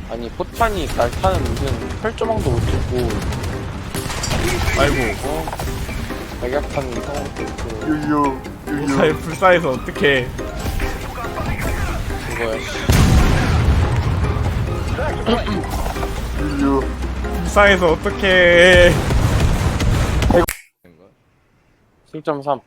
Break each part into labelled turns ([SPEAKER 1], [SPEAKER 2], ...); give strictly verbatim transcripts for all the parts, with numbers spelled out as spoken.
[SPEAKER 1] 아니 포탄이 날타는 무슨 혈조망도 못 찍고
[SPEAKER 2] 아이고
[SPEAKER 1] 어? 백약탄 이상한 것도 있고
[SPEAKER 3] 유유 유유
[SPEAKER 2] 사에 불사해서 어떡해.
[SPEAKER 1] 그거야 씨.
[SPEAKER 3] 유유
[SPEAKER 2] 불사해서 어떡해.
[SPEAKER 1] 칠 점 삼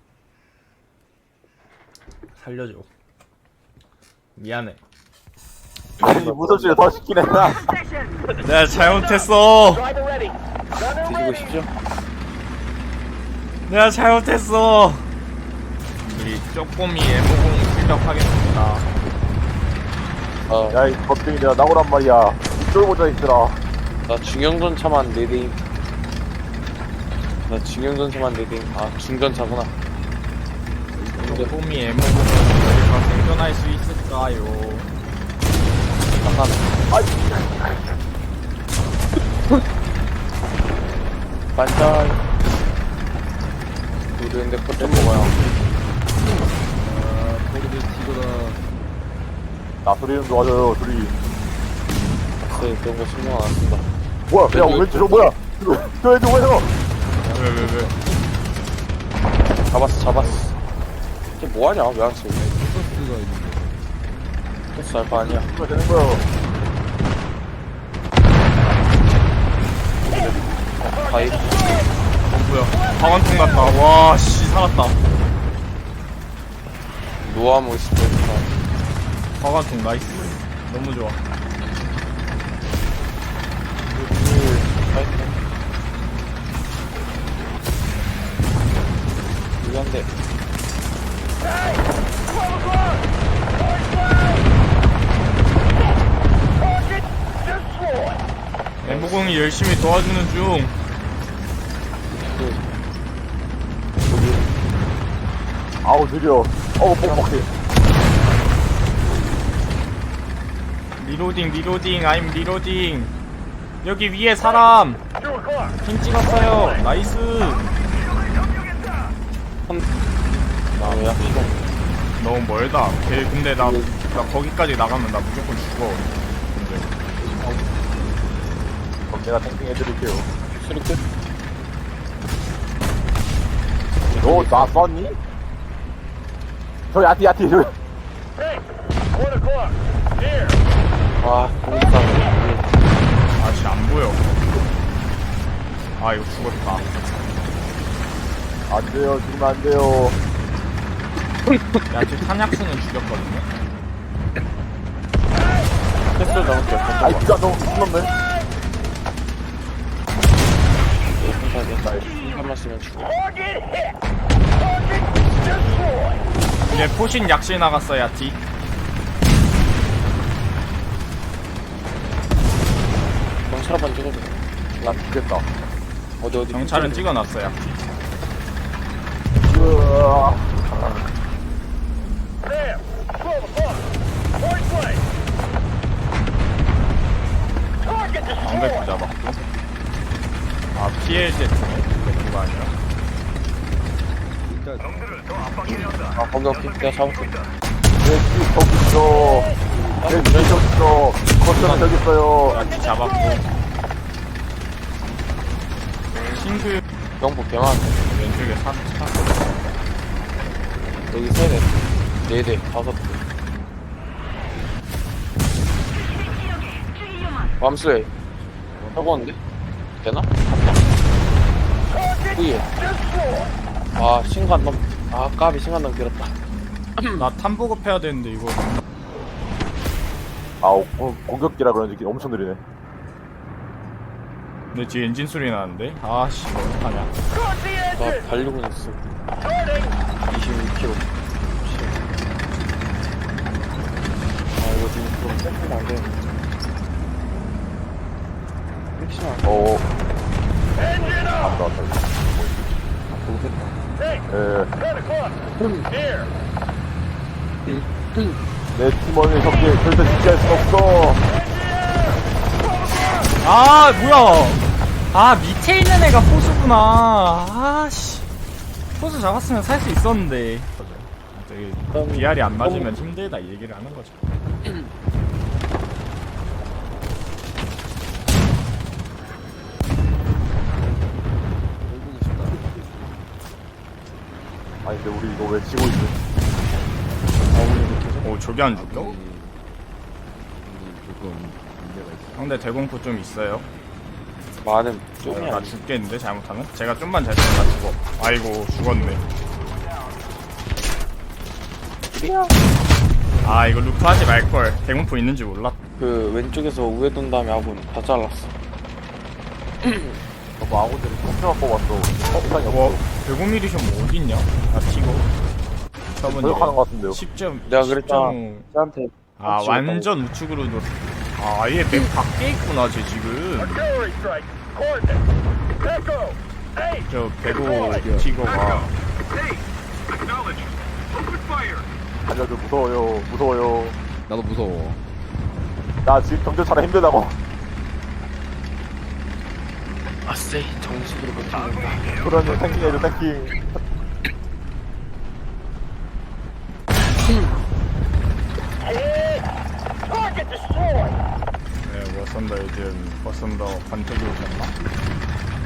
[SPEAKER 2] 살려줘. 미안해.
[SPEAKER 3] 아니 무섭지가 더 시키네 나
[SPEAKER 2] 내가 잘못했어.
[SPEAKER 1] 드시고 싶죠?
[SPEAKER 2] 내가 잘못했어. 우리 쪼꼬미 애모공 출격하겠습니다.
[SPEAKER 1] 어,
[SPEAKER 3] 야이 겁쟁이들아 나오란 말이야 쫄보자 있으라
[SPEAKER 1] 나 중형전차만 네 대임 나 중형전차만 네 대임 아 중전차구나
[SPEAKER 2] 쪼꼬미 애모공은 저희가 생존할 수 있을까요?
[SPEAKER 1] 잠깐 반짝 우리인데 포탄 먹어요
[SPEAKER 3] 나 소리는 도와줘요 둘이
[SPEAKER 1] 네, 그런 거 신경 안 쓴다
[SPEAKER 3] 뭐야 야 왼쪽 저 뭐야 저 애들 뭐야
[SPEAKER 2] 왜 왜 왜?
[SPEAKER 1] 잡았어 잡았어 이게 뭐하냐 왜 안 써? 토스 알바 아니야
[SPEAKER 3] 이거 되는 거야
[SPEAKER 1] 바이
[SPEAKER 2] 어 뭐야? 방한통 같다. 와 씨 살았다.
[SPEAKER 1] 노아모 스페이스가
[SPEAKER 2] 방한통 나이스. 너무 좋아.
[SPEAKER 1] 이건데
[SPEAKER 2] 애모공이 열심히 도와주는 중.
[SPEAKER 3] 아우 느려 어우 뻑뻑해
[SPEAKER 2] 리로딩 리로딩 I'm 리로딩. 여기 위에 사람 핑 찍었어요. 나이스.
[SPEAKER 1] 나야 시간
[SPEAKER 2] 너무 멀다. 걔 근데 나, 나 거기까지 나가면 나 무조건 죽어. 근데
[SPEAKER 3] 그럼 내가 탱탱해드릴게요
[SPEAKER 1] 수리 끝
[SPEAKER 3] 너나 쐈니? 저기 야티 야티 저기
[SPEAKER 1] 와, 공사.
[SPEAKER 2] 아씨 안 보여. 아 이거 죽었다.
[SPEAKER 3] 안돼요 죽으면 안돼요
[SPEAKER 2] 야 지금 탄약수는 죽였거든요.
[SPEAKER 1] 패스 잡을게.
[SPEAKER 3] 아이 진짜 너무 무섭네
[SPEAKER 1] 공사 됐다. 한번 쓰면 죽어.
[SPEAKER 2] 이제 포신 약실 나갔어 야티.
[SPEAKER 1] 경찰 한번 찍어줘.
[SPEAKER 3] 나 죽겠다
[SPEAKER 1] 어디 어디.
[SPEAKER 2] 경찰은 찍어놨어 야티.
[SPEAKER 3] 으아
[SPEAKER 2] 방백부 잡았고. 아 피엘제트네. 그거 아니야.
[SPEAKER 1] 아 거기 오케이. 내가 잡을게.
[SPEAKER 3] 내뒤 저기 있어 내뒤 저기 있어 커튼은 저기 있어요
[SPEAKER 2] 야티 잡았고. 싱글
[SPEAKER 1] 경보 개많네.
[SPEAKER 2] 왼쪽에 사 차.
[SPEAKER 1] 여기 세 대, 네 대, 다섯 대. 맘스웨이. 해보는데? 되나? 후예. 아, 신간 넘, 아, 까비 신간 넘 길었다.
[SPEAKER 2] 나 탐보급 해야 되는데 이거.
[SPEAKER 3] 아우 어, 공격기라 그런지 엄청 느리네
[SPEAKER 2] 내 뒤에 엔진 소리 나는데? 아씨 이거 어떡하냐.
[SPEAKER 1] 나 달리고 있어. 이십육 킬로미터. 아, 이거 지금 좀 세트가 안 되는데. 혹시나,
[SPEAKER 3] 어 왔다 왔다
[SPEAKER 1] 모르겠다.
[SPEAKER 3] 내 팀원의 협기에 절대 지지할 순 없어
[SPEAKER 2] 아 뭐야. 아 밑에 있는 애가 포수구나. 아씨 포수 잡았으면 살 수 있었는데. 저기 비알이 안 맞으면 힘들다 이 얘기를 하는 거죠.
[SPEAKER 3] 있는데 우리 이거 왜 지고 있는?
[SPEAKER 2] 오 저기 안 죽여?
[SPEAKER 4] 우리 조금 문제가 있어.
[SPEAKER 2] 상대 대공포 좀 있어요.
[SPEAKER 1] 많은
[SPEAKER 2] 어,
[SPEAKER 1] 쪽이
[SPEAKER 2] 나
[SPEAKER 1] 아니
[SPEAKER 2] 죽겠는데 잘못하면? 제가 좀만 잘 쓰면 나 죽어. 아이고 죽었네. 아 이거 루프 하지 말걸. 대공포 있는지 몰라.
[SPEAKER 1] 그 왼쪽에서 우회 돈 다음에 아군 다 잘랐어.
[SPEAKER 3] 너무 아군들이 컴퓨터 뽑았어. 어, 시간이
[SPEAKER 2] 와
[SPEAKER 3] 없어.
[SPEAKER 2] 백오 밀리션 뭐 어딨냐? 나 튀고.
[SPEAKER 3] 노력하는 것 같은데요.
[SPEAKER 2] 십 점.
[SPEAKER 1] 내가 그랬잖아.
[SPEAKER 2] 십 점.
[SPEAKER 1] 쟤한테
[SPEAKER 2] 아
[SPEAKER 1] 찍었다고.
[SPEAKER 2] 완전 우측으로 놀. 아 아예 맵 밖에 있구나 쟤 지금. 저 백오 티거가.
[SPEAKER 3] 알려줘, 무서워요, 무서워요.
[SPEAKER 4] 나도 무서워.
[SPEAKER 3] 나 지금 경찰차라 힘들다고.
[SPEAKER 1] 아쎄 정식으로 버티는다.
[SPEAKER 3] 그러면 탱킹 해줘, 탱킹.
[SPEAKER 2] 네 워선더 요즘 워선더 권태기 오셨나?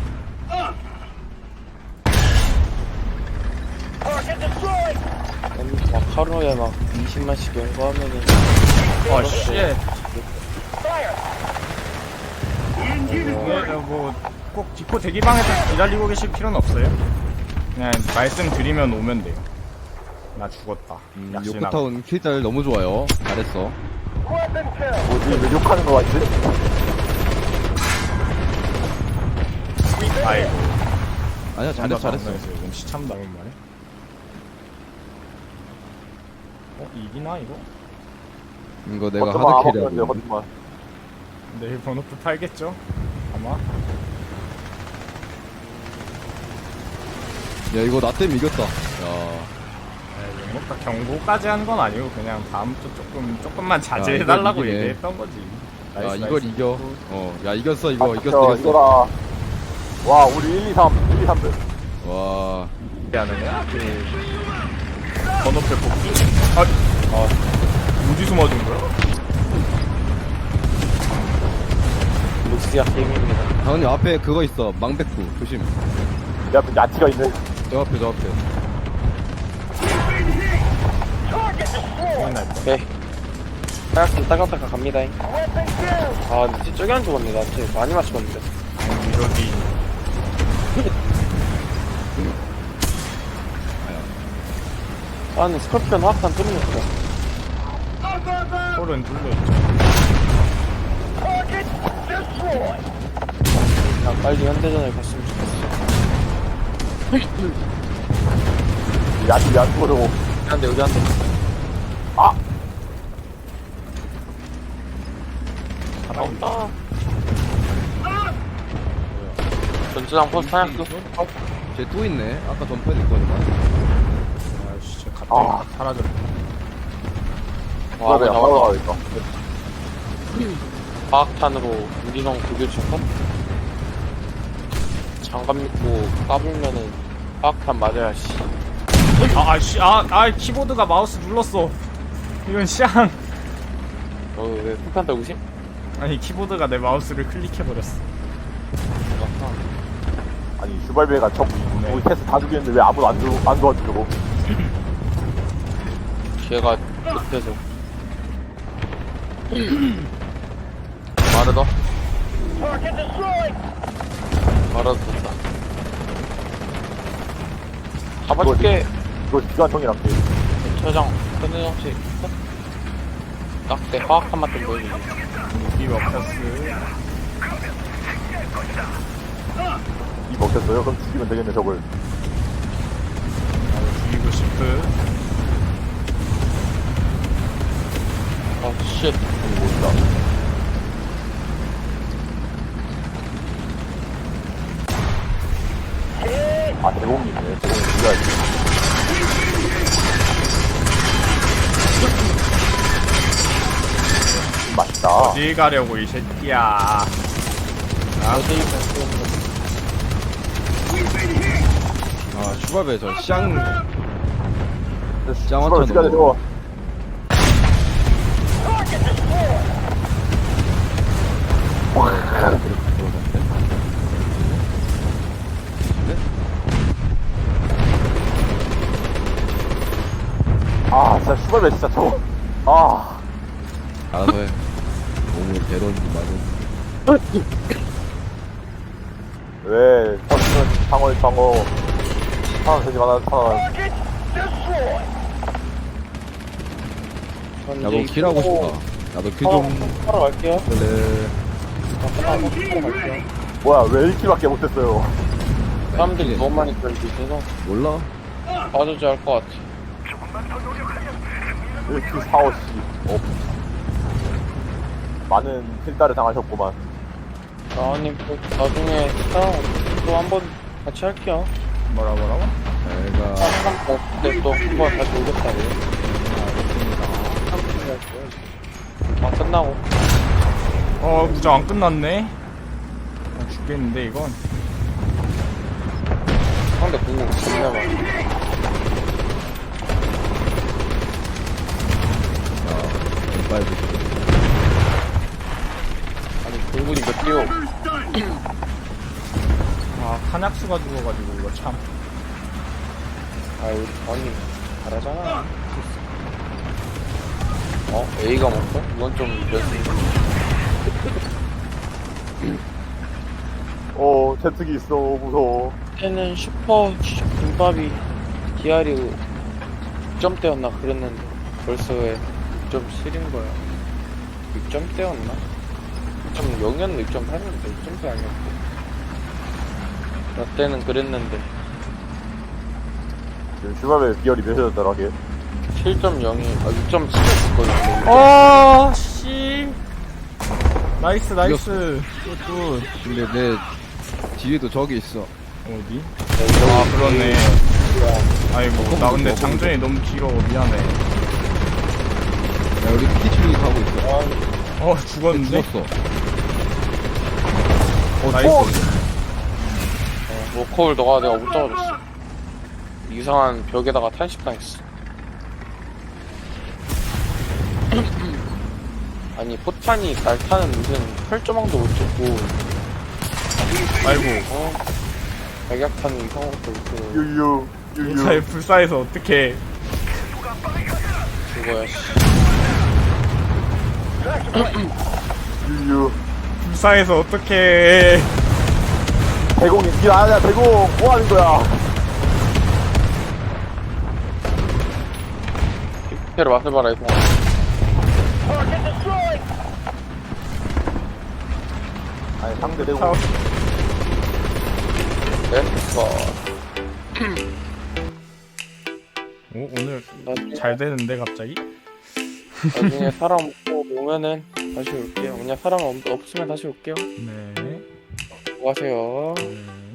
[SPEAKER 1] 막 하루에 막 이십만씩 연구하면은
[SPEAKER 2] 어 씨. 뭐꼭 디코 대기방에서 기다리고 계실 필요는 없어요. 그냥 말씀드리면 오면 돼요. 나 죽었다.
[SPEAKER 4] 음,
[SPEAKER 2] 약신하고.
[SPEAKER 4] 요코타운 킬잘 너무 좋아요. 잘했어.
[SPEAKER 3] 뭐지, 왜 욕하는 거 같지?
[SPEAKER 2] 아이고.
[SPEAKER 4] 아니야, 잘했어, 잘했어.
[SPEAKER 2] 이건 시참 나온 말이야. 어 이기나 이거?
[SPEAKER 4] 이거 내가
[SPEAKER 3] 버튼만 안
[SPEAKER 4] 하드캐리
[SPEAKER 3] 바꾸면 돼요,
[SPEAKER 4] 하고.
[SPEAKER 3] 버튼만.
[SPEAKER 2] 내일 번호표 팔겠죠? 아마.
[SPEAKER 4] 야, 이거 나 때문에 이겼다. 야,
[SPEAKER 2] 네, 뭐 딱 경고까지 한 건 아니고 그냥 다음부터 조금 조금만 자제해달라고
[SPEAKER 4] 이걸 이기네.
[SPEAKER 2] 얘기했던 거지.
[SPEAKER 4] 야,
[SPEAKER 2] 나이스,
[SPEAKER 4] 이걸
[SPEAKER 2] 나이스.
[SPEAKER 4] 이겨. 어, 야, 이겼어, 이거,
[SPEAKER 3] 아,
[SPEAKER 4] 이겼어,
[SPEAKER 3] 저,
[SPEAKER 4] 이겼어.
[SPEAKER 3] 이거라. 와, 우리 일, 이, 삼, 일, 이, 삼 들.
[SPEAKER 4] 와,
[SPEAKER 2] 어떻게 하는 거야? 그 번호표 뽑기? 아, 아 어디서 맞은 거야?
[SPEAKER 1] 룩스야 게임입니다.
[SPEAKER 4] 당연히 앞에 그거 있어. 망백구. 조심.
[SPEAKER 3] 내 앞에 야티가 있네.
[SPEAKER 4] 저 앞에, 저 앞에.
[SPEAKER 2] 큰일 날 뻔.
[SPEAKER 1] 오케이. 하얗게 따가따가 갑니다. 아 근데 진짜 저기 안 죽었네. 나 진짜 많이 맞췄는데.
[SPEAKER 2] 이러기.
[SPEAKER 1] 아 근데 스컬피언 화학탄 뚫렸어.
[SPEAKER 2] 홀은 뚫려있죠.
[SPEAKER 1] 그냥 빨리 현대전을 갔으면 좋겠어.
[SPEAKER 3] 야티 왜안 죽어려고.
[SPEAKER 1] 한대 여기 한 대.
[SPEAKER 3] 아!
[SPEAKER 1] 나온다. 전투장 포스트 하얗고.
[SPEAKER 4] 쟤 또 있네. 아까 전파에도 있거니만.
[SPEAKER 2] 아이씨, 쟤 갑자기
[SPEAKER 3] 아.
[SPEAKER 2] 딱 사라졌네.
[SPEAKER 1] 와,
[SPEAKER 3] 그래,
[SPEAKER 1] 나와.
[SPEAKER 3] 바로 가야겠다.
[SPEAKER 1] 화학탄으로 유리성 구교체 컷? 장갑 믿고 까불면은 화학탄 맞아야 씨.
[SPEAKER 2] 아, 아씨, 아, 아, 키보드가 마우스 눌렀어. 이건 샹.
[SPEAKER 1] 너왜 폭탄 떨고 심?
[SPEAKER 2] 아니, 키보드가 내 마우스를 클릭해버렸어.
[SPEAKER 3] 아니, 슈발베가 저, 우리 테스트 다 죽였는데 왜 아무도 안, 주, 안 도와주려고.
[SPEAKER 1] 걔가 못해서. 마르더? 마르더 됐다. 잡아줄게.
[SPEAKER 3] 이거 기관총이랑 게임.
[SPEAKER 1] 저장, 현대정치. 딱대 화학탄 맛 좀 보여주지.
[SPEAKER 2] 무기 먹혔어.
[SPEAKER 3] 이 먹혔어요? 그럼 죽이면 되겠네, 저걸.
[SPEAKER 2] 나도 죽이고 싶은.
[SPEAKER 1] 아, 쉣.
[SPEAKER 3] 아니, 뭐있다. 아, 대공이 있네. 대공이 죽여야지. 맛있다.
[SPEAKER 2] 어디 가려고, 이 새끼야.
[SPEAKER 1] 어디
[SPEAKER 4] 아, 슈바베 저 샹.
[SPEAKER 3] 슈발
[SPEAKER 4] 짱화천
[SPEAKER 3] 죽여야 돼, 저거. 슈발배 진짜 저거. 아,
[SPEAKER 4] 알아서 해. 몸을 대던지 마든.
[SPEAKER 3] 왜, 터치는 방어의 방어. 사람 되지 마라, 사람.
[SPEAKER 4] 나도 킬하고 싶다. 나도 킬
[SPEAKER 1] 어,
[SPEAKER 4] 좀.
[SPEAKER 1] 하러 갈게요.
[SPEAKER 4] 그래.
[SPEAKER 1] 하러 갈게요.
[SPEAKER 3] 뭐야, 왜 일 킬밖에 못했어요?
[SPEAKER 1] 사람들이 너무 많이 끌리셔서
[SPEAKER 4] 몰라?
[SPEAKER 1] 빠져줘야 할 것 같아.
[SPEAKER 3] 일 킬 사, 오, 씨. 어. 많은 킬다를 당하셨구만.
[SPEAKER 1] 나은님 또 나중에 사랑 또 한 번 같이 할게요.
[SPEAKER 2] 뭐라 뭐라고?
[SPEAKER 4] 내가
[SPEAKER 1] 그때 또 한 번 다시 오겠다고. 아 끝나고.
[SPEAKER 2] 어 구정 안 끝났네. 아, 죽겠는데 이건.
[SPEAKER 1] 상대 공공 존나 많아.
[SPEAKER 4] 빨리.
[SPEAKER 1] 아니 공군이 몇 개요?
[SPEAKER 2] 아 칸약수가 죽어가지고 이거 참.
[SPEAKER 1] 아 우리 다은님 잘하잖아. 어? A가 먹어? 이건 좀 연습.
[SPEAKER 3] 어, 채특이 있어, 무서워.
[SPEAKER 1] 그때는 슈퍼 김밥이 디알이 육 점대였나 그랬는데 벌써 왜 육 점 칠인 거야. 육 점대였나? 육 점 영이었나 육 점 팔이었는데 육 점대 아니었고. 나 때는 그랬는데
[SPEAKER 3] 지금 슈발배 비열이 몇이었더라, 걔?
[SPEAKER 1] 칠 점 영이 아 육 점 칠이었거든.
[SPEAKER 2] 어 씨. 나이스 나이스. 굿굿.
[SPEAKER 4] 근데 내 뒤에도 저기 있어.
[SPEAKER 2] 어디? 아 그렇네. 아이고 나 근데 장전이 너무 길어 미안해.
[SPEAKER 4] 야, 우리 피치링이 가고 있어.
[SPEAKER 2] 어 죽었는데?
[SPEAKER 4] 죽었어.
[SPEAKER 2] 어 나이스.
[SPEAKER 1] 어, 로컬 너가 내가 못 잡아줬어. 이상한 벽에다가 탄식당했어. 아니 포탄이 날타는 무슨 혈조망도 못 찍고
[SPEAKER 2] 아이고
[SPEAKER 1] 어? 백약탄 이상한 것도 못고
[SPEAKER 3] 유유, 유유.
[SPEAKER 2] 불사에 불사해서 어떻게?
[SPEAKER 1] 그거야 씨.
[SPEAKER 3] 유유.
[SPEAKER 2] 불사해서 어떻게?
[SPEAKER 3] 대공이, 길 아니야, 대공. 뭐 하는 거야?
[SPEAKER 1] 빅테를 맛을 봐라 이거.
[SPEAKER 3] 아니, 상대 대공.
[SPEAKER 2] 사-
[SPEAKER 1] 렛츠고.
[SPEAKER 2] 오 오늘
[SPEAKER 1] 나중에,
[SPEAKER 2] 잘 되는데 갑자기?
[SPEAKER 1] 나중에 사람 없고 오면은 다시 올게요. 그냥 사람 없, 없으면 다시 올게요.
[SPEAKER 2] 네.
[SPEAKER 1] 수고하세요.
[SPEAKER 2] 네.